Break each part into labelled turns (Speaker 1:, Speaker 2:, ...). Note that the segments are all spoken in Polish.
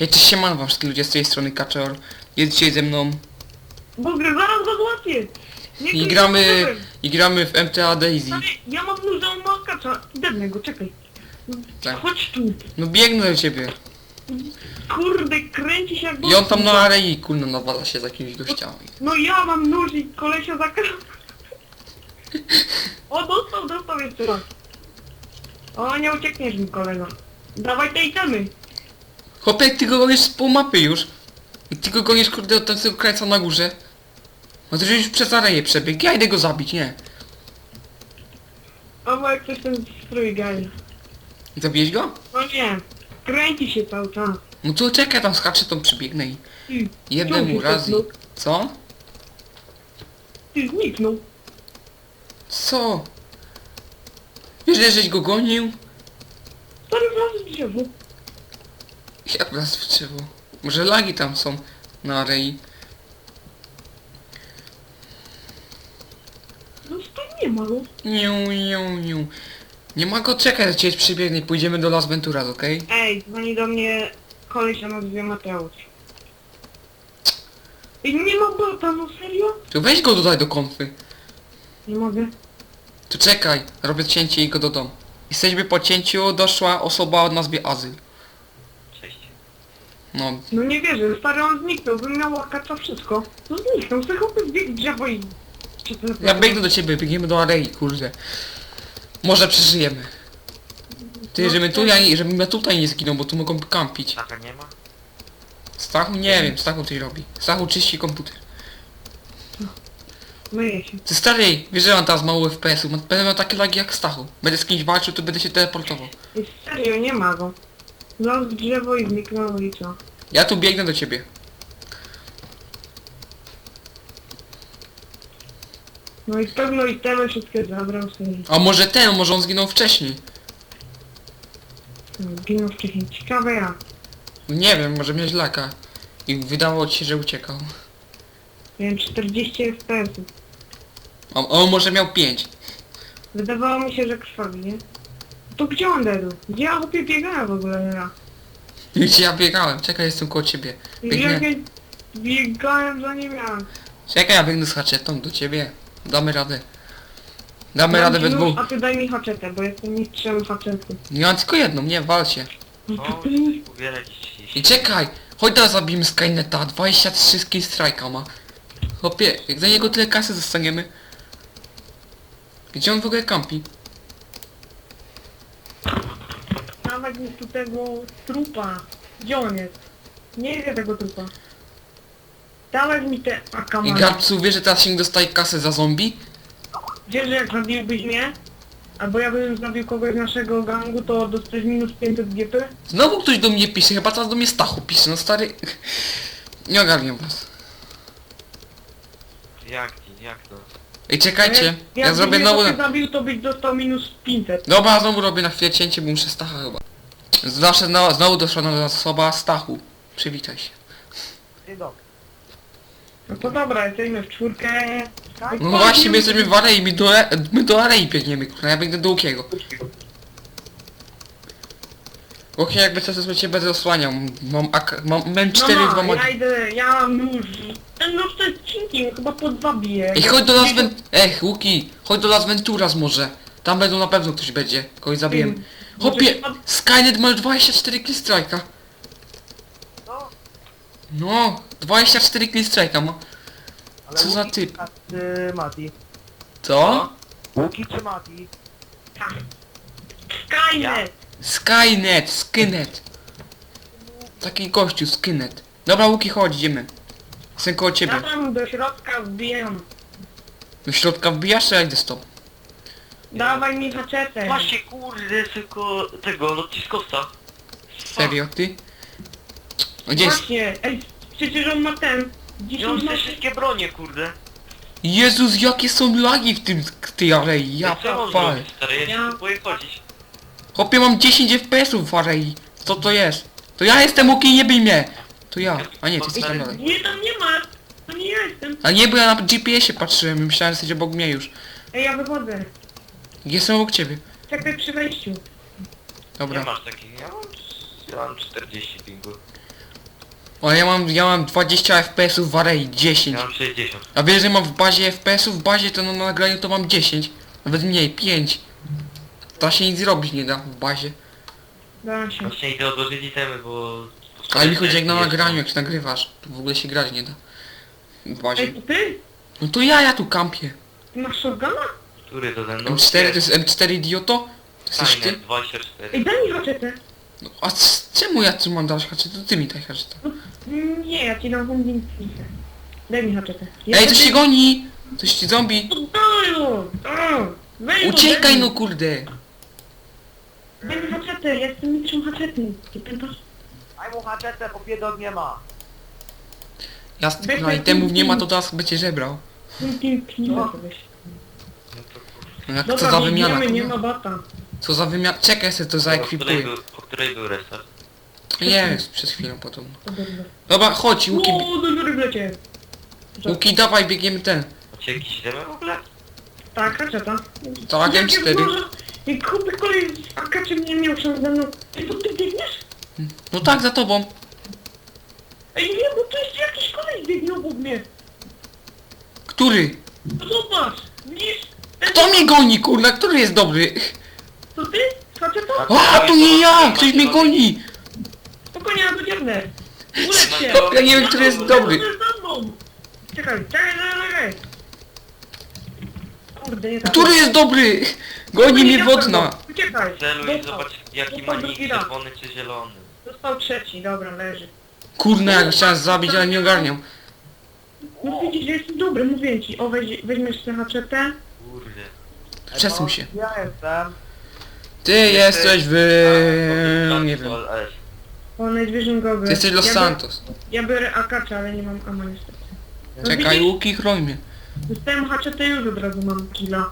Speaker 1: Hej, cześć, siemano wam wszystkim ludzie z tej strony Kaczor. Jest dzisiaj ze mną
Speaker 2: Boże, zaraz go złapię!
Speaker 1: i gramy w MTA Daisy.
Speaker 2: Ale ja mam nóż, on ma kacza. Debnę go, czekaj.
Speaker 1: Tak.
Speaker 2: Chodź tu.
Speaker 1: No biegnę do ciebie.
Speaker 2: Kurde, kręci się jak
Speaker 1: I on tam na arei kulno nawala się z jakimiś gościami.
Speaker 2: No ja mam nóż i kolesia za O, dostał jeszcze raz. O, nie uciekniesz mi, kolego. Dawaj te itemy.
Speaker 1: Chłopie, ty go gonisz z pół mapy już. I ty go gonisz kurde od tego krańca na górze. No to już przez areję przebiegł, ja idę go zabić, nie.
Speaker 2: O, bo jak coś ten strój gali.
Speaker 1: Zabiłeś go?
Speaker 2: No nie. Kręci się cały czas.
Speaker 1: No to czekaj, tam skaczę, to przybiegnę i
Speaker 2: Ty,
Speaker 1: jednemu
Speaker 2: ciągnie
Speaker 1: razy.
Speaker 2: się, no.
Speaker 1: Co?
Speaker 2: Ty zniknął.
Speaker 1: Co? Wiesz, że żeś go gonił?
Speaker 2: Stary wlazł w drzewo.
Speaker 1: Jak nas w drzewo? Może lagi tam są na arei?
Speaker 2: No stary nie ma go.
Speaker 1: Niu. Nie ma go, czekać, że cię przybiegnę i pójdziemy do Las Venturas, okej?
Speaker 2: Ej, dzwoni do mnie koleś o nazwie Mateusz. I nie ma bota, no serio?
Speaker 1: To weź go dodaj do konfy.
Speaker 2: Nie mogę.
Speaker 1: To czekaj, robię cięcie i go dodam. Jesteśmy po cięciu, doszła osoba o nazwie Azyl.
Speaker 3: Cześć.
Speaker 1: No,
Speaker 2: No nie wierzę, stary on zniknął, bym miał łakacza wszystko. No zniknął, sobie chłopy zbiegł w drzewo i... Czy to
Speaker 1: ja biegnę do ciebie, biegniemy do arei, kurde. Może przeżyjemy. Ty,
Speaker 2: No,
Speaker 1: żebym ja tutaj nie zginął, bo tu mogą kampić.
Speaker 3: Taka nie ma?
Speaker 1: Stachu? Nie wiem, Stachu coś robi. Stachu czyści komputer.
Speaker 2: Myję się.
Speaker 1: Ty stary, wiesz, że mam teraz mało FPS-ów, będę miał takie lagi jak Stachu. Będę z kimś walczył, to będę się teleportował.
Speaker 2: I serio, nie ma go. Zlazł w drzewo i zniknął i co?
Speaker 1: Ja tu biegnę do ciebie.
Speaker 2: No i pewno i temy wszystkie zabrał sobie.
Speaker 1: A może on zginął wcześniej.
Speaker 2: Ginął wcześniej. Ciekawe jak.
Speaker 1: Nie wiem, może miałeś laka. I wydawało ci się, że uciekał.
Speaker 2: Miałem 40 FPS.
Speaker 1: A on może miał 5.
Speaker 2: Wydawało mi się, że krwawi, nie? To gdzie on dedł? Gdzie ja chłopie biegałem w ogóle ja?
Speaker 1: Gdzie ja biegałem? Czekaj, jestem koło ciebie.
Speaker 2: Jak
Speaker 1: Biegnę.
Speaker 2: ja biegałem za nim ja.
Speaker 1: Czekaj, ja biegnę z haczetą do ciebie. Damy radę. Damy radę we dwóch.
Speaker 2: A ty daj mi haczetę, bo jestem mistrzem haczetu.
Speaker 1: Nie mam tylko jedną, nie, wal się.
Speaker 3: O, uwiele dziś.
Speaker 1: I czekaj! Chodź teraz zabijmy Skyneta, 23 skill strike'a ma. Chłopie, jak za niego tyle kasy dostaniemy. Gdzie on w ogóle kampi?
Speaker 2: Dawać mi tu tego trupa. Gdzie on jest? Nie widzę tego trupa. Dawać mi te
Speaker 1: I
Speaker 2: akamany.
Speaker 1: Gabcu, wiesz, że teraz się dostaje kasę za zombie?
Speaker 2: Wiesz, że jak zabiłbyś mnie? Albo ja bym zabił kogoś z naszego gangu, to dostajesz minus 500 GP?
Speaker 1: Znowu ktoś do mnie pisze, chyba teraz do mnie Stachu pisze, no stary... Nie ogarniam was.
Speaker 3: Jak to?
Speaker 1: Ej, czekajcie, ja
Speaker 2: Jak
Speaker 1: zrobię
Speaker 2: mnie
Speaker 1: znowu...
Speaker 2: ktoś zabił, to byś dostał minus 500.
Speaker 1: Dobra, znowu robię na chwilę cięcie, bo muszę Stacha chyba. Zawsze znowu doszła nowa osoba, Stachu. Przywitaj się.
Speaker 3: Dzień dobry.
Speaker 2: No to dobra, jesteśmy w czwórkę.
Speaker 1: No właśnie, my jesteśmy w arei, my do arei biegniemy, kurwa, ja biegnę do Łukiego. Łuki, jakby co to cię będę osłaniał, mam 4
Speaker 2: no,
Speaker 1: dwa
Speaker 2: ja idę, ja mam nóż. Ten nóż to jest cinkiem, chyba po 2 bije.
Speaker 1: Ej, chodź do Las Venturas, Łuki, chodź do Las Venturas może. Tam będą na pewno ktoś będzie, kogoś zabijemy. Chłopie, Skynet ma 24 kill strike'a.
Speaker 3: No,
Speaker 1: No, 24 kill strike'a ma.
Speaker 3: ale
Speaker 1: Co za
Speaker 3: Łuki
Speaker 1: typ?
Speaker 3: czy Mati?
Speaker 1: Co?
Speaker 3: Łuki czy Mati?
Speaker 2: Skynet!
Speaker 1: Skynet. Taki gościu, Skynet. Dobra, Łuki, chodź, idziemy. Jestem koło
Speaker 2: Ja
Speaker 1: ciebie.
Speaker 2: tam do środka wbijam.
Speaker 1: Do środka wbijasz, czy ja idę z tobą?
Speaker 2: Dawaj mi haczetę.
Speaker 3: Właśnie kurde, tylko tego, lotniskosta.
Speaker 1: Serio, ty? No gdzie jest?
Speaker 2: Właśnie, ej, przecież on ma ten.
Speaker 3: I on
Speaker 2: 10
Speaker 3: te
Speaker 2: ma...
Speaker 3: wszystkie bronie, kurde.
Speaker 1: Jezus, jakie są lagi w tej arei, ja
Speaker 3: Co mam
Speaker 1: palę.
Speaker 3: zrobić, stary? Ja się tu boję chodzić.
Speaker 1: Chłopie, mam 10 FPS-ów w arei. Co to jest? To ja jestem, Łuki, nie bij mnie. To ja. A nie, ty jesteś tam dalej.
Speaker 2: Nie, tam nie ma. To nie ja jestem.
Speaker 1: A nie, bo ja na GPS-ie patrzyłem i myślałem, że jesteś obok mnie już.
Speaker 2: Ej, ja wychodzę.
Speaker 1: Jestem obok ciebie.
Speaker 2: Czekaj przy wejściu.
Speaker 3: Nie
Speaker 1: Dobra.
Speaker 3: masz takich, ja mam 40 pingu.
Speaker 1: O, ja mam 20 FPS-ów w arei, 10.
Speaker 3: Ja mam 60.
Speaker 1: A wiesz, że mam w bazie FPS-ów, w bazie to na nagraniu to mam 10. Nawet mniej, 5. To się nic zrobić nie da w bazie.
Speaker 2: Da się.
Speaker 3: Właśnie idę odłożyć itemy, bo...
Speaker 1: Ale mi chodzi jak na nagraniu, jak się nagrywasz. To w ogóle się grać nie da. W bazie.
Speaker 2: Ej, to ty?
Speaker 1: No to ja tu kampię.
Speaker 2: Ty masz shotguna?
Speaker 3: Który to ten?
Speaker 1: M4 to jest M4 idioto? To jesteś ty?
Speaker 3: 24.
Speaker 2: Ej, daj mi haczetę.
Speaker 1: No, a czemu ja tu mam dać haczetę? To ty mi daj haczetę.
Speaker 2: Nie, ja ci dam bombinkę. Daj mi haczetę.
Speaker 1: Ej, to się goni! Coś ci zombie! Uciekaj no kurde!
Speaker 2: Daj mi haczetę, ja jestem mistrzem haczety. Ty pamiętasz?
Speaker 4: Daj mu haczetę, bo biedog nie ma.
Speaker 1: Ja z tych no, itemów nie ma, to teraz będzie żebrał.
Speaker 2: No.
Speaker 1: No jak
Speaker 2: Dobra,
Speaker 1: co za
Speaker 2: nie
Speaker 1: wymiana?
Speaker 2: idziemy, nie
Speaker 1: kurwa?
Speaker 2: ma bata.
Speaker 1: Co za wymiana? Czekaj, sobie to zaekwipuję.
Speaker 3: Po której był restart?
Speaker 1: Jest, przez chwilę podobno.
Speaker 2: To dobrze.
Speaker 1: Dobra, chodź, Łuki,
Speaker 2: O, do góry wlecie.
Speaker 1: Łuki, dawaj, biegniemy ten.
Speaker 3: Macie jakieś itemy w ogóle?
Speaker 2: Tak, haczeta.
Speaker 1: Tak, M4.
Speaker 2: I kupy kolej z akaczem nie miał się ze mną. Ej, to ty biegniesz?
Speaker 1: No tak, za tobą.
Speaker 2: Ej, nie, bo tu jest jakiś kolej biegnie obok mnie.
Speaker 1: Który?
Speaker 2: No zobacz, widzisz?
Speaker 1: Kto mnie goni, kurna? Który jest dobry?
Speaker 2: To ty? Haczeta?
Speaker 1: A, to nie ja! Ktoś mnie goni!
Speaker 2: Spokojnie, ja to dziernę. Ulecz się.
Speaker 1: Ja nie wiem, który jest dobry.
Speaker 2: Za mną. Czekaj, czekaj. Kurde, nie tak.
Speaker 1: Który jest dobry? Goni mnie wodna.
Speaker 2: Uciekaj.
Speaker 3: Celuj i
Speaker 2: Dostał.
Speaker 3: zobacz jaki
Speaker 2: Dostał
Speaker 3: ma nick,
Speaker 2: drugi raz.
Speaker 3: czerwony czy zielony.
Speaker 2: Dostał trzeci, dobra, leży.
Speaker 1: Kurna, jak chciałem zabić, ale nie ogarniam.
Speaker 2: No widzisz, że jestem dobry, mówię ci. O, weźmiesz tę haczetę.
Speaker 3: Kurde.
Speaker 1: Przesuń się.
Speaker 4: Ja jestem.
Speaker 1: Ty jesteś nie wiem.
Speaker 2: O, Night Gogle.
Speaker 1: Ty jesteś Los Santos.
Speaker 2: Ja biorę akacza, ale nie mam ama niestety. No
Speaker 1: Czekaj,
Speaker 2: widzisz?
Speaker 1: Łuki, chroń mnie.
Speaker 2: Dostałem haczetę już od razu mam killa.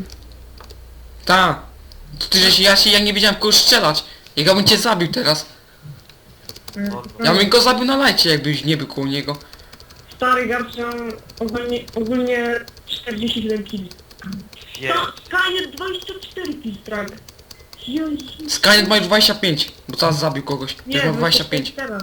Speaker 1: Ta. Ja nie wiedziałem kogo strzelać. Jak ja bym cię zabił teraz. Ja bym go zabił na lajcie, jakbyś nie był koło niego.
Speaker 2: Stary garcia ogólnie 47 killi.
Speaker 3: Wiesz.
Speaker 2: Kaniet 24 kill strike. Jezu.
Speaker 1: Skynet ma już 25, bo teraz zabił kogoś. Też ma 25.
Speaker 2: teraz.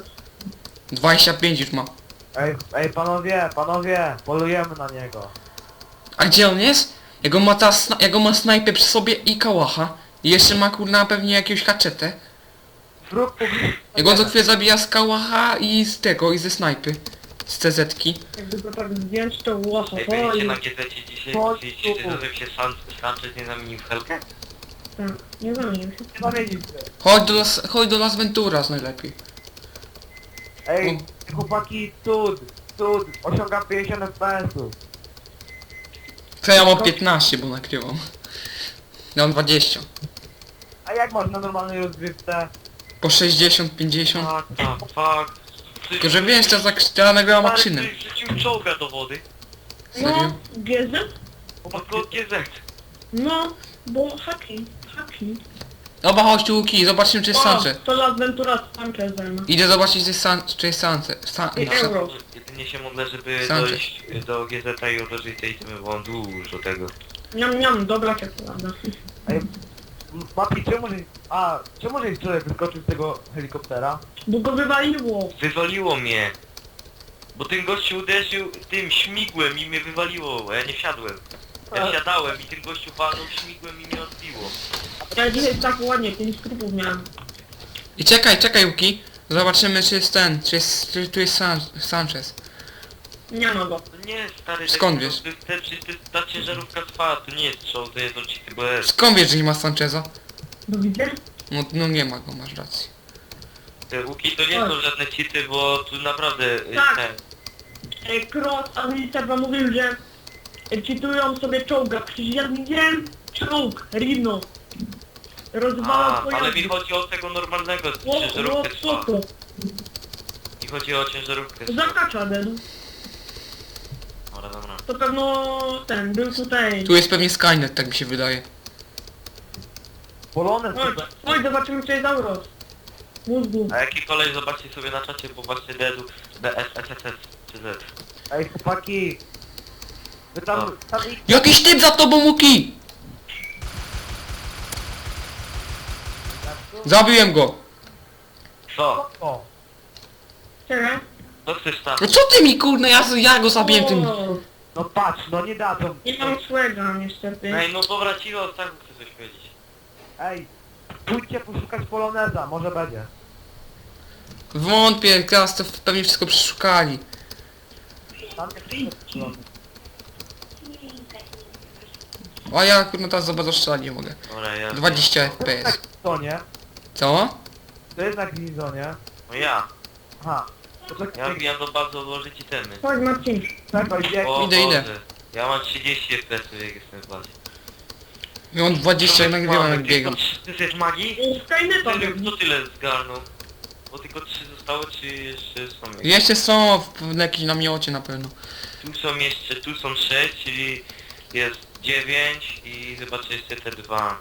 Speaker 1: 25 już ma.
Speaker 4: Ej, panowie, polujemy na niego.
Speaker 1: A gdzie on jest? Jego ma teraz, jego ma snajpę przy sobie i kałacha. I jeszcze ma kurna pewnie jakąś haczetę.
Speaker 4: Wróg publiczny.
Speaker 1: Jak on co chwilę zabija z kałacha i z tego, i ze snajpy. Z CZ-ki.
Speaker 2: Jakby go tak zdjąć to łacha.
Speaker 3: Ej, byliście na GZ dzisiaj, czy nazywa się Sanchez nie zamienił w Helkę?
Speaker 2: Tak, nie zamienił się.
Speaker 4: Nie zamienił się.
Speaker 1: Chodź do Las Venturas najlepiej.
Speaker 4: Ej, chłopaki, cud. Osiągam 50 FPS-ów.
Speaker 1: To ja mam 15, bo nagrywam. Ja mam 20.
Speaker 4: A jak można normalnej rozgrywce?
Speaker 1: Po 60, 50.
Speaker 3: Fuck, fuck.
Speaker 1: Tylko że wiesz, ja nagrywam
Speaker 3: Ale
Speaker 1: makszynem.
Speaker 3: ty wrzucił czołga do wody.
Speaker 1: Serio?
Speaker 2: No, GZ?
Speaker 3: Tylko GZ.
Speaker 2: No, bo haki.
Speaker 1: Dobra, chodź tu Łuki, zobaczymy czy jest Sanchez.
Speaker 2: To Las Venturas Sanchez zajmę.
Speaker 1: Idę zobaczyć czy jest Sanchez.
Speaker 2: I euro.
Speaker 3: Jedynie się modlę, żeby
Speaker 1: Sanchez.
Speaker 3: dojść do GZ i odłożyć tej itemy, bo mam dużo tego.
Speaker 2: Niam, dobra czekolada.
Speaker 4: Ej, Mati, czemu żeś wczoraj wyskoczył z tego helikoptera?
Speaker 2: Bo go wywaliło.
Speaker 3: Wywaliło mnie. Bo ten gościu uderzył tym śmigłem i mnie wywaliło, a ja nie wsiadłem. Ja wsiadałem i ten gościu walnął śmigłem i mnie odbiło.
Speaker 2: Ja dzisiaj tak ładnie, 5 skrupów miałem.
Speaker 1: I czekaj Łuki. Zobaczymy czy jest ten, czy tu jest Sanchez.
Speaker 2: Nie ma go.
Speaker 3: To nie jest stary...
Speaker 1: Skąd
Speaker 3: to-
Speaker 1: wiesz?
Speaker 3: Ta ciężarówka trwa, to nie jest show, to jest oczywiście, bo jest...
Speaker 1: Skąd wiesz, że nie ma Sancheza?
Speaker 2: No widzę?
Speaker 1: No nie ma go, masz rację.
Speaker 3: Te łuki to nie są żadne cheaty, bo tu naprawdę...
Speaker 2: Tak.
Speaker 3: Te,
Speaker 2: Cross administrator mówił, że czytują sobie czołga. Przecież ja widziałem czołg, Rino. Rozwalał
Speaker 3: ale
Speaker 2: pojazdy.
Speaker 3: mi chodzi o tego normalnego,
Speaker 2: O,
Speaker 3: ciężarówkę trwa.
Speaker 2: co?
Speaker 3: Mi chodzi o ciężarówkę trwa.
Speaker 2: Zakacza den.
Speaker 3: Dobra.
Speaker 2: To pewno ten, był tutaj.
Speaker 1: Tu jest pewnie Skynet, tak mi się wydaje.
Speaker 4: Polonez
Speaker 2: Chodź, zobaczymy czy jest Auros. Mózgu.
Speaker 3: A jaki kolej zobaczcie sobie na czacie, bo właśnie DED-u, BSSSS czy Z.
Speaker 4: Ej, chłopaki. Wy tam ich...
Speaker 1: Jakiś typ za tobą Łuki! Zabiłem go!
Speaker 3: Co?
Speaker 4: O,
Speaker 2: Czekaj.
Speaker 3: Co chcesz tam?
Speaker 1: No co ty mi kurna, ja go zabiję tym...
Speaker 2: O,
Speaker 4: No patrz, no nie dadzą.
Speaker 2: nie mam swego niestety.
Speaker 3: Ej, no dobra, cicho, o Stachu chcę coś powiedzieć.
Speaker 4: Ej, pójdźcie poszukać poloneza, może będzie.
Speaker 1: Wątpię, teraz to pewnie wszystko przeszukali.
Speaker 4: Tam jest polonez.
Speaker 1: A ja kurna teraz za bardzo strzelać nie mogę.
Speaker 3: Dobra, ja...
Speaker 1: 20
Speaker 4: To jest na
Speaker 1: FPS.
Speaker 4: Glizonie.
Speaker 1: Co?
Speaker 4: To jest na Glizonie.
Speaker 3: No ja.
Speaker 4: Aha.
Speaker 3: Ja
Speaker 4: Poczekaj,
Speaker 3: wbijam do bazy odłożyć itemy.
Speaker 2: Chodź Marcin.
Speaker 4: czekaj, bieg.
Speaker 3: O
Speaker 1: Idę, idę.
Speaker 3: Boże. Ja mam 30 FPS jak jestem w bazie.
Speaker 1: Ja mam 20 i nagrywam jak biegam.
Speaker 3: Ty jesteś magii?
Speaker 2: Skyneta
Speaker 3: Serio,
Speaker 2: robi.
Speaker 3: kto tyle zgarnął? Bo tylko 3 zostały, czy jeszcze są jakieś?
Speaker 1: Jeszcze są w jakimś namiocie na pewno.
Speaker 3: Tu są jeszcze, tu są 6, czyli jest 9 i zobaczcie jeszcze te 2.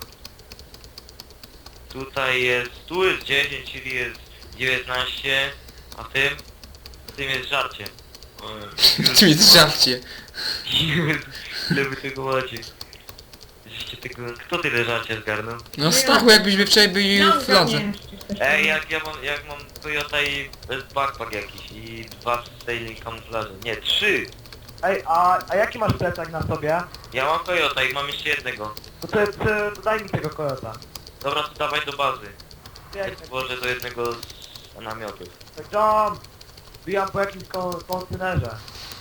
Speaker 3: Tutaj jest, tu jest 10, czyli jest 19, a tym jest żarcie.
Speaker 1: Czym jest żarcie?
Speaker 3: Ile wy tego macie? Żeście tego, kto tyle żarcia zgarnął?
Speaker 1: No Stachu, jakbyśmy wczoraj byli
Speaker 2: Ja
Speaker 1: w fladze.
Speaker 2: ogarniałem wszystko.
Speaker 3: Ej, jak mam Toyota i backpack jakiś i 2 sailing kamuflaże. Nie, 3!
Speaker 4: Ej, a jaki masz plecak na sobie?
Speaker 3: Ja mam Toyota i mam jeszcze jednego.
Speaker 4: To daj mi tego kojota.
Speaker 3: Dobra, to dawaj do bazy. Ja
Speaker 4: Bieg,
Speaker 3: stworzę do jednego z namiotów.
Speaker 4: John! Bijam po jakimś kontenerze.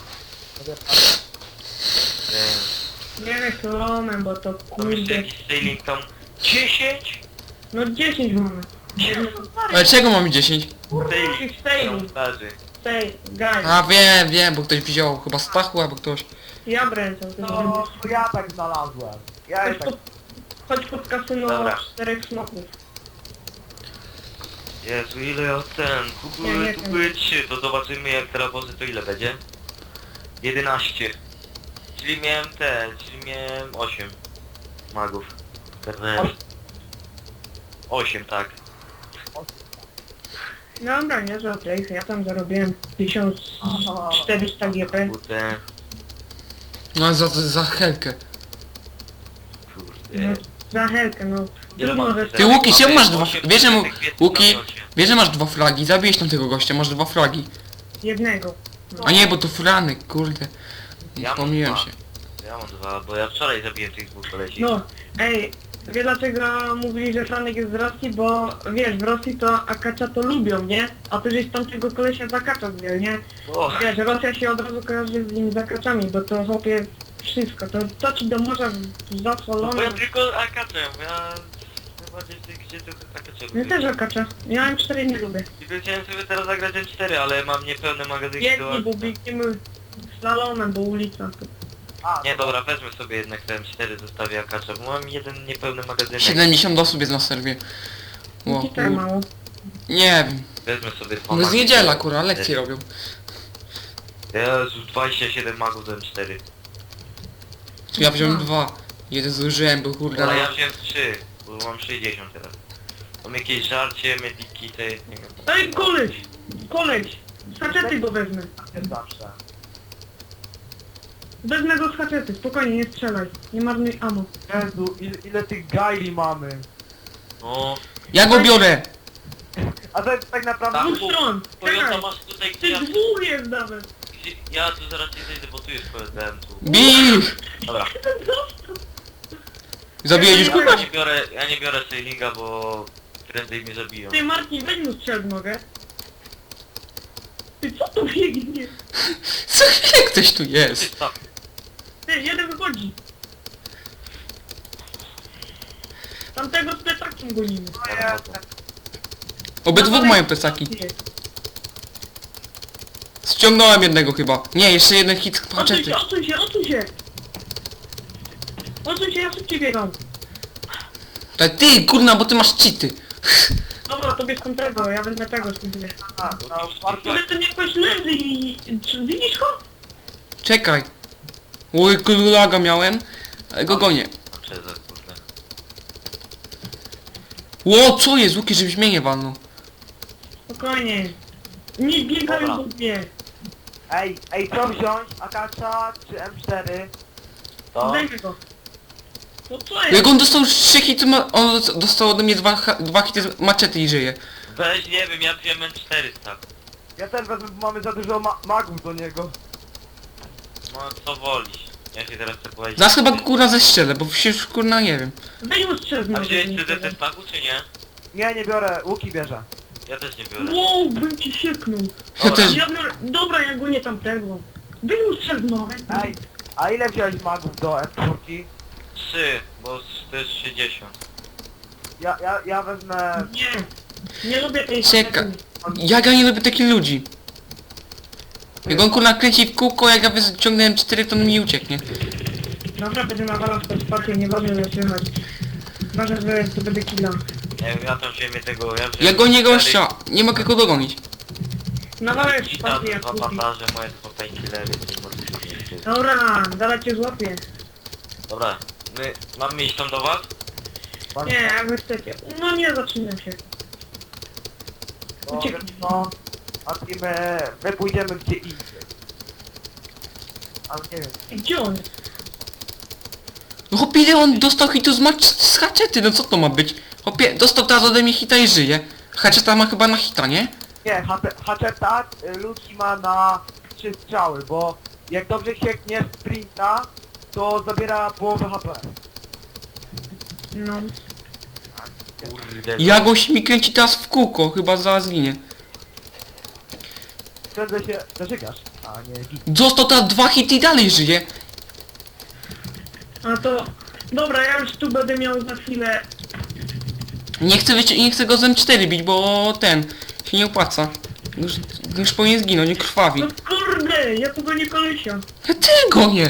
Speaker 3: Eee,
Speaker 2: Nie chlomem, bo to
Speaker 3: Tam jeszcze
Speaker 2: kurde.
Speaker 3: jakiś sailing tam... 10?
Speaker 2: No 10 mamy.
Speaker 1: Ale czego mamy 10?
Speaker 3: Sailing
Speaker 2: Sailing.
Speaker 3: kamuflaży.
Speaker 2: Stay, guys.
Speaker 1: A wiem, bo ktoś wziął chyba Stachu albo ktoś.
Speaker 2: Ja bręczę.
Speaker 4: No, ja tak znalazłem. Ja je tak...
Speaker 2: Chodź pod kasyno
Speaker 3: Dobra.
Speaker 2: 4 smoków.
Speaker 3: Jezu, ile ja
Speaker 2: Nie
Speaker 3: kupuję 3, to zobaczymy jak teraz wozy to ile będzie. 11. Czyli miałem 8 magów. 8, tak.
Speaker 2: Dobra, nie za trejfy. Ja tam zarobiłem 1400 GP.
Speaker 3: Kurde,
Speaker 1: No za helkę.
Speaker 2: No,
Speaker 3: kurde.
Speaker 2: za helkę, no.
Speaker 3: Ile
Speaker 2: Trudno,
Speaker 3: mam
Speaker 2: że...
Speaker 3: teraz?
Speaker 1: Ty Łuki, czemu masz dwa...
Speaker 3: 8
Speaker 1: Wiesz, że mu...
Speaker 3: kwietnia
Speaker 1: Łuki,
Speaker 3: na locie.
Speaker 1: wiesz, że masz 2 flagi, zabiłeś tam tego gościa, masz 2 flagi.
Speaker 2: Jednego.
Speaker 1: A nie, bo to Franek, kurde.
Speaker 3: Ja mam
Speaker 1: Pomyliłem
Speaker 3: 2.
Speaker 1: się.
Speaker 3: Ja mam 2, bo ja wczoraj zabiłem tych 2 kolesi.
Speaker 2: No, ej, wie dlaczego mówili, że Franek jest z Rosji? Bo wiesz, w Rosji to Akacza to lubią, nie? A ty żeś tamtego kolesia z Akacza wziął, nie?
Speaker 3: O,
Speaker 2: Wiesz, Rosja się od razu kojarzy z nim z Akaczami, bo to chłopie wszystko, to ci do morza
Speaker 3: no
Speaker 2: zasolone.
Speaker 3: bo ja tylko akaczę, ja... Najbardziej w tej grze tylko akaczę
Speaker 2: Ja
Speaker 3: lubię.
Speaker 2: też Akacza, ja M4 nie lubię.
Speaker 3: Tylko chciałem sobie teraz zagrać M4, ale mam niepełne magazynki do...
Speaker 2: Biegnie, bo biegniemy slalomem, bo ulica.
Speaker 4: A,
Speaker 3: Nie, dobra, wezmę sobie jednak te M4, zostawię akacza, bo mam jeden niepełny magazynek.
Speaker 1: 70 osób jest na serwie. Ło,
Speaker 2: Ci tak mało.
Speaker 1: nie wiem.
Speaker 3: Wezmę sobie 2
Speaker 1: No jest
Speaker 3: magi.
Speaker 1: niedziela, kurwa, lekcje robią.
Speaker 3: Jezu, 27 magów do M4.
Speaker 1: Tu ja wziąłem 2. Jeden zużyłem, bo kurde...
Speaker 3: Ale ja wziąłem 3, bo mam 60 teraz. Mam jakieś żarcie, mediki, te... nie wiem.
Speaker 2: Ej, koleś! Z haczety go wezmę.
Speaker 4: jest zawsze.
Speaker 2: Wezmę go z haczety, spokojnie, nie strzelaj. Nie marnuj ammo.
Speaker 4: Jezu, ile tych gajli mamy.
Speaker 3: No,
Speaker 1: Ja go biorę!
Speaker 4: A to jest tak naprawdę...
Speaker 3: Tak.
Speaker 2: Dwóch stron!
Speaker 3: Toyota
Speaker 2: Czekaj!
Speaker 3: masz tutaj, gdzie
Speaker 2: Ty
Speaker 3: ja...
Speaker 2: dwóch jest nawet!
Speaker 3: Gdzie, ja tu zaraz nie zejdę, bo tu jest PSDM tu.
Speaker 1: Bij!
Speaker 3: Dobra,
Speaker 1: Zabiłeś już kogoś?
Speaker 3: ja nie biorę sailinga, bo prędzej mnie zabiją.
Speaker 2: Ty Marcin, weź mu strzel w nogę. Ty co tu biegnie?
Speaker 1: Co chwilę ktoś tu jest.
Speaker 3: Stop.
Speaker 2: Ty, jeden wychodzi. Tamtego z plecakiem gonimy.
Speaker 3: Ja wychodzę.
Speaker 1: Obydwóch mają plecaki.
Speaker 2: Ty.
Speaker 1: Ściągnąłem jednego chyba. Nie, jeszcze jeden hit
Speaker 2: Odsuń
Speaker 1: haczety.
Speaker 2: się, odsuń się, odsuń się! Odsuń się, ja szybciej biegam.
Speaker 1: Ale ty, kurna, bo ty masz cheaty.
Speaker 2: Dobra, to bierz tamtego, ja wezmę tego spróbuję.
Speaker 4: A, no, bardzo...
Speaker 2: Ale ten jakoś leży i... Czy widzisz go?
Speaker 1: Czekaj. Oj, kulaga miałem. Ale go gonię.
Speaker 3: A przez kurde.
Speaker 1: Ło, co jest, Łuki, żebyś mnie nie walnął.
Speaker 2: Spokojnie. Nie biegają
Speaker 3: Dobra.
Speaker 2: do mnie.
Speaker 4: Ej, co wziąć? Akacza czy M4?
Speaker 3: To?
Speaker 2: Zdejmę go. No co
Speaker 1: Jak
Speaker 2: jest?
Speaker 1: on dostał 3 hity, on dostał ode mnie 2 hity z maczety i żyje.
Speaker 3: Weź, nie wiem, ja wziąłem M4 tak.
Speaker 4: Ja też wezmę, bo mamy za dużo magów do niego.
Speaker 3: No co wolisz? Ja się teraz chcę powiedzieć.
Speaker 1: Zaraz chyba go kurna zestrzelę, bo się już kurna nie wiem.
Speaker 2: Weź ustrzel
Speaker 3: A
Speaker 2: znowu.
Speaker 3: wziąłeś CDT z paku czy nie?
Speaker 4: Nie biorę, łuki bierze.
Speaker 3: Ja też nie biorę.
Speaker 2: Wow, bym ci sieknął.
Speaker 1: Ja też...
Speaker 2: Ja biorę... Dobra, ja go nie tamtego. Weź ustrzel znowu.
Speaker 4: Ej, a ile wziąłeś magów do M4?
Speaker 3: 3, bo to jest 60.
Speaker 4: Ja wezmę...
Speaker 2: Nie. Nie lubię tej
Speaker 1: Czeka. Ja nie lubię takich ludzi. Jak on kurna kręci w kółko, jak ja wyciągnąłem 4, to on mi ucieknie.
Speaker 2: Dobra, będę nawalał w to spację, nie ważne, że słychać. Ważne, że to będzie killa.
Speaker 3: Nie wiem, ja tam wziąłem tego,
Speaker 1: Ja gonię gościa, nie mogę go dogonić.
Speaker 2: Nawalaj w
Speaker 3: I tam
Speaker 2: spację jak
Speaker 3: dwa
Speaker 2: kupi.
Speaker 3: bandaże, moje dwa painkillery, nie możesz.
Speaker 2: Dobra, zaraz cię złapię.
Speaker 3: Dobra, my mamy iść tam do was?
Speaker 2: Nie, jak wy chcecie. No nie, zaczynam się. Ucieknij.
Speaker 4: No, a my pójdziemy gdzie indziej. Ale nie wiem.
Speaker 2: Gdzie on jest?
Speaker 1: No chłopie, ile on dostał hitu z haczety, no co to ma być? Chłopie, dostał teraz ode mnie hita i żyje. Haczeta ma chyba na hita, nie?
Speaker 4: Nie, Hatcheta ludzki ma na 3 strzały, bo jak dobrze siekniesz sprinta, to zabiera połowę HP.
Speaker 2: No.
Speaker 3: Kurde,
Speaker 1: Ja gość mi kręci teraz w kółko, chyba zaraz ginie.
Speaker 4: Wtedy się zażygasz, a nie git.
Speaker 1: Dostał teraz 2 hity i dalej żyje.
Speaker 2: A to... Dobra, ja już tu będę miał za chwilę...
Speaker 1: Nie chcę go z M4 bić, bo ten się nie opłaca. Już powinien zginąć, nie krwawi.
Speaker 2: No kurde, ja tu go nie kolesia.
Speaker 1: Ja też go nie.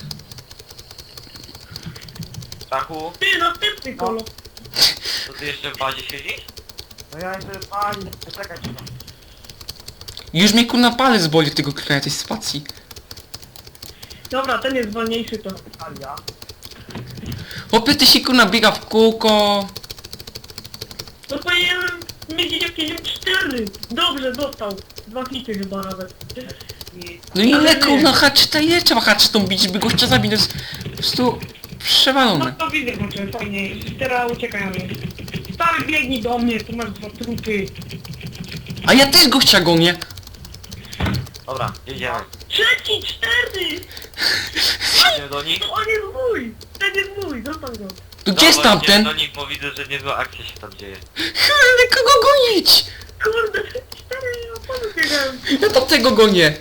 Speaker 3: Stachu,
Speaker 2: Ty, następny kolo.
Speaker 3: to ty jeszcze w bazie siedzisz?
Speaker 4: No ja jeszcze pani, czekać trzeba.
Speaker 1: Już mnie kurna palec boli od tego krania tej spacji.
Speaker 2: Dobra, ten jest wolniejszy to.
Speaker 4: Talia.
Speaker 1: Chłopie, ty się kurna biega w kółko.
Speaker 2: To powinienem mieć jakieś 4. Dobrze, dostał. 2 hity chyba nawet.
Speaker 4: I
Speaker 1: No ile kurna haczeta, ile trzeba haczetą bić, żeby gościa zabić, to jest po prostu
Speaker 2: No
Speaker 1: przewalone.
Speaker 2: to widzę, znaczy fajnie. Teraz uciekają mi. Stary, biegnij do mnie, tu masz 2 trupy.
Speaker 1: A ja też gościa gonię.
Speaker 3: Dobra, jedziemy.
Speaker 2: Trzeci, 4!
Speaker 3: Idziemy do nich.
Speaker 2: To on jest mój! Ten jest mój, zostaw go.
Speaker 1: To gdzie jest
Speaker 3: Dobra,
Speaker 1: tamten?
Speaker 3: idziemy do nich, bo widzę, że niezła akcja się tam dzieje.
Speaker 1: Ale kogo gonić?
Speaker 2: Kurde, 4, ja panu biegałem.
Speaker 1: Ja tamtego gonię.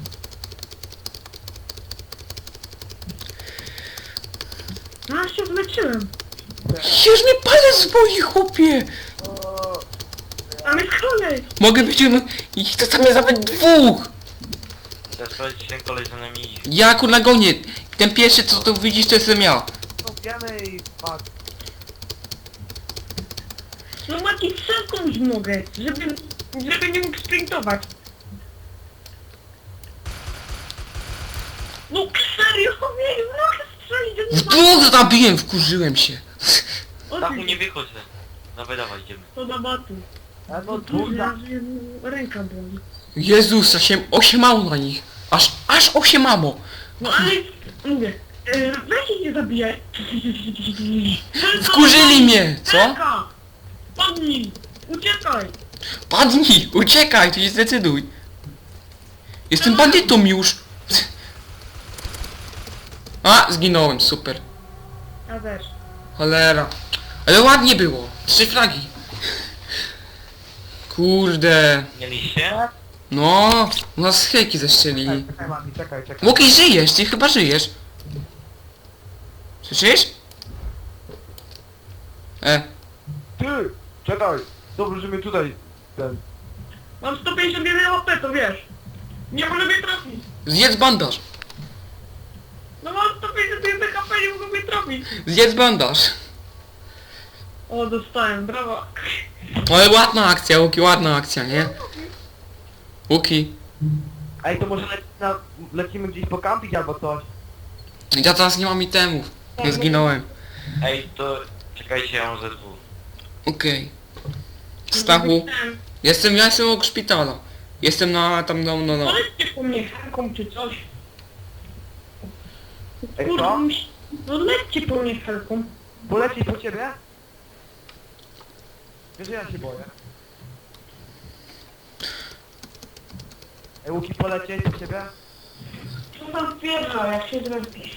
Speaker 2: No, ja się zleczyłem.
Speaker 1: Już mnie palec boli, chłopie.
Speaker 4: o,
Speaker 2: Tam jest kolej.
Speaker 1: Mogę być ich to tam jest nawet 2.
Speaker 3: Chcę sprawdzić, czy ten koleś za nami idzie.
Speaker 1: Ja kurna gonię. Ten pierwszy co tu widzisz to jestem ja.
Speaker 4: no wiemy i patrz.
Speaker 2: No Mati, sekund mogę, żeby nie mógł sprintować. No serio, nie mogę strzelić, że
Speaker 1: W
Speaker 2: nie ma...
Speaker 1: 2 zabiłem, wkurzyłem się.
Speaker 3: Stachu, nie wychodź ze. Dawaj, dawaj, idziemy.
Speaker 2: To na batu.
Speaker 4: No
Speaker 2: Kurde,
Speaker 4: duża.
Speaker 2: aż ręka boli.
Speaker 1: Jezus, 8 na nich. Aż 8 mamo.
Speaker 2: No ale, mówię, weź ich nie zabijaj.
Speaker 1: Wkurzyli mnie, co?
Speaker 2: Helka! Padnij! Uciekaj!
Speaker 1: Padnij, uciekaj, to się zdecyduj. Jestem bandytą już. A, zginąłem, super.
Speaker 2: Ja też.
Speaker 1: Cholera. Ale ładnie było. 3 flagi. Kurde.
Speaker 3: Mieliście?
Speaker 1: No, u nas hejki zestrzelili.
Speaker 4: Czekaj mami, czekaj.
Speaker 1: Łokiej, żyjesz, ty chyba żyjesz. Słyszysz?
Speaker 4: Ty! Czekaj! Dobrze, że mnie tutaj... Ten...
Speaker 2: Mam 151 HP, to wiesz. Nie mogę mnie trafić.
Speaker 1: Zjedz bandaż.
Speaker 2: No mam 151 HP, nie mogę mnie trafić.
Speaker 1: Zjedz bandaż.
Speaker 2: O, dostałem, brawo.
Speaker 1: Ale ładna akcja, Łuki, ładna akcja, nie? Łuki.
Speaker 4: Ej, to może lecimy gdzieś pokampić albo coś?
Speaker 1: Ja teraz nie mam itemów. Nie zginąłem.
Speaker 3: Ej, to... Czekajcie, ja mam ze dwóch.
Speaker 1: Okej. Stachu. Ja jestem obok szpitala. Jestem na tam no.
Speaker 2: Polećcie po mnie helką czy coś.
Speaker 4: Ej,
Speaker 2: Kurde,
Speaker 4: co?
Speaker 2: no lećcie po mnie helką.
Speaker 4: Polecieć po ciebie? Wiesz, że ja się boję. Łuki polecieć do ciebie?
Speaker 2: Co tam wpierdza, jak się zrespisz?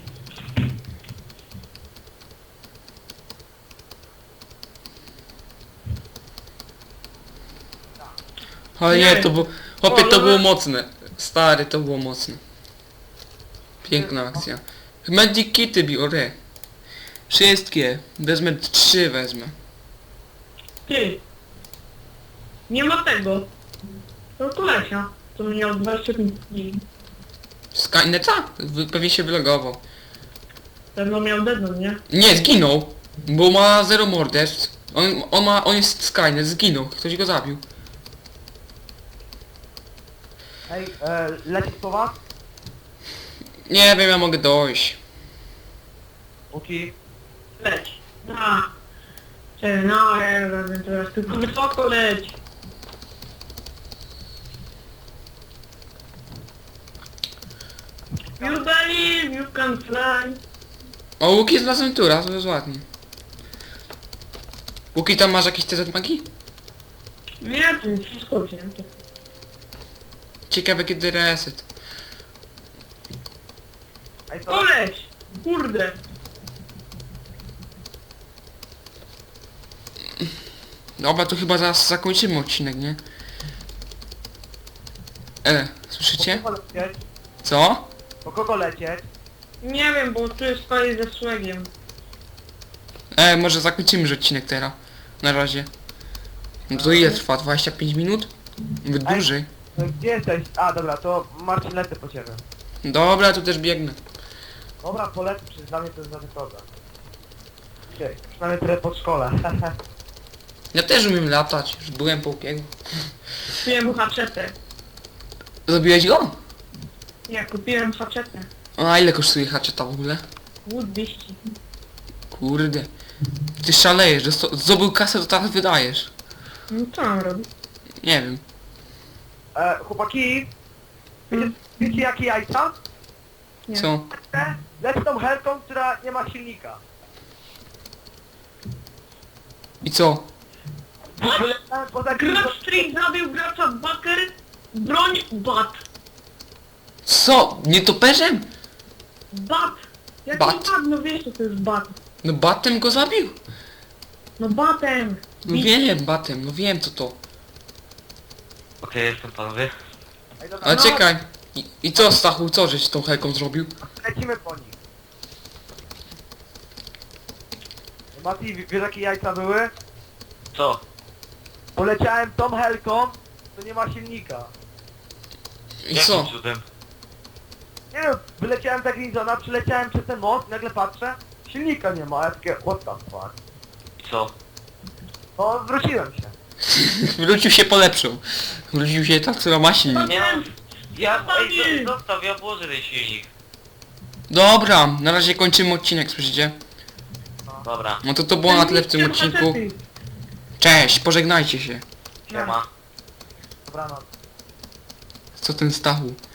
Speaker 1: Ale
Speaker 2: Nie.
Speaker 1: nie, to było... Chłopie, to było mocne. Stary, to było mocne. Piękna akcja. Magic kity biorę. Wszystkie. Wezmę 3 wezmę.
Speaker 2: Ty. Nie ma tego. To kolesia. To miał 25 dni.
Speaker 1: Skyneta? Pewnie się wylogował.
Speaker 2: Pewno miał deadline, nie?
Speaker 1: Nie, zginął. Bo ma 0 morderstw. On jest Skynet, zginął. Ktoś go zabił.
Speaker 4: Ej, lecieć po was?
Speaker 1: Nie wiem, ja mogę dojść.
Speaker 4: Łuki.
Speaker 2: Leć. Na. Czekaj, no, ja razem teraz tylko wysoko leć. You believe you can fly.
Speaker 1: O, Łuki znalazłem tura, to jest ładnie. Łuki, tam masz jakieś TZ magii?
Speaker 2: Nie, to jest wszystko wzięte.
Speaker 1: Ciekawe kiedy reset.
Speaker 4: Ej, to...
Speaker 2: Koleś! Kurde!
Speaker 1: Dobra, to chyba zaraz zakończymy odcinek, nie? Słyszycie?
Speaker 4: Po kogo lecieć?
Speaker 1: Co?
Speaker 4: Po kogo lecieć?
Speaker 2: Nie wiem, bo tu jest stoję ze szlegiem.
Speaker 1: Może zakończymy już odcinek teraz. Na razie. No to ile trwa? 25 minut? Nawet
Speaker 4: Ej.
Speaker 1: dłużej.
Speaker 4: Gdzie jesteś? A, dobra, to Marcin lecę po ciebie.
Speaker 1: Dobra, to też biegnę.
Speaker 4: Dobra, polecę, przecież dla mnie to jest żaden problem. Okej, przynajmniej trochę pod szkole.
Speaker 1: Ja też umiem latać, już byłem po upiegu.
Speaker 2: Kupiłem haczetę.
Speaker 1: Zrobiłeś go?
Speaker 2: Nie, kupiłem haczetę.
Speaker 1: A ile kosztuje haczeta w ogóle?
Speaker 2: Łód 200.
Speaker 1: Kurde. Ty szalejesz, że zdobył kasę, to teraz wydajesz.
Speaker 2: No co mam robić?
Speaker 1: Nie wiem.
Speaker 4: Chłopaki, wiecie jakie jajca?
Speaker 2: Nie.
Speaker 1: Co?
Speaker 4: Lecę tą helką, która nie ma silnika.
Speaker 1: I co?
Speaker 4: Wylecałem poza
Speaker 2: Gracz Street zabił gracza Baker. Broń bat.
Speaker 1: Co? Nie toperzem?
Speaker 2: Bat. Jaki
Speaker 1: Bat.
Speaker 2: bat? No wiesz co to jest bat.
Speaker 1: No batem go zabił?
Speaker 2: No batem.
Speaker 1: No wiem, batem, no wiem co to.
Speaker 3: Okej, jestem panowie.
Speaker 4: Ej, dobra,
Speaker 1: Ale
Speaker 4: no,
Speaker 1: czekaj. I co Stachu, co żeś z tą helką zrobił?
Speaker 4: lecimy po nich. Mati, wiesz jakie jajca były?
Speaker 3: Co?
Speaker 4: Poleciałem tą helką, to nie ma silnika.
Speaker 1: I
Speaker 3: Jakim
Speaker 1: co?
Speaker 3: cudem?
Speaker 4: Nie wiem, wyleciałem za Grinzona, przyleciałem przez ten most, nagle patrzę, silnika nie ma, a ja takie, what the fuck.
Speaker 3: I co?
Speaker 4: No, wróciłem się.
Speaker 1: Wrócił się polepszył. Wrócił się tak, co ma silnik.
Speaker 3: Nie mam... Ja...
Speaker 2: Zostawił.
Speaker 3: Ej, zostaw, ja włożę ten silnik.
Speaker 1: Dobra, na razie kończymy odcinek, słyszycie?
Speaker 3: Dobra,
Speaker 1: No to było na tyle w tym
Speaker 2: Kupiłem
Speaker 1: odcinku.
Speaker 2: haczety.
Speaker 1: Cześć, pożegnajcie się.
Speaker 3: siema.
Speaker 4: Dobranoc.
Speaker 1: Co ten Stachu?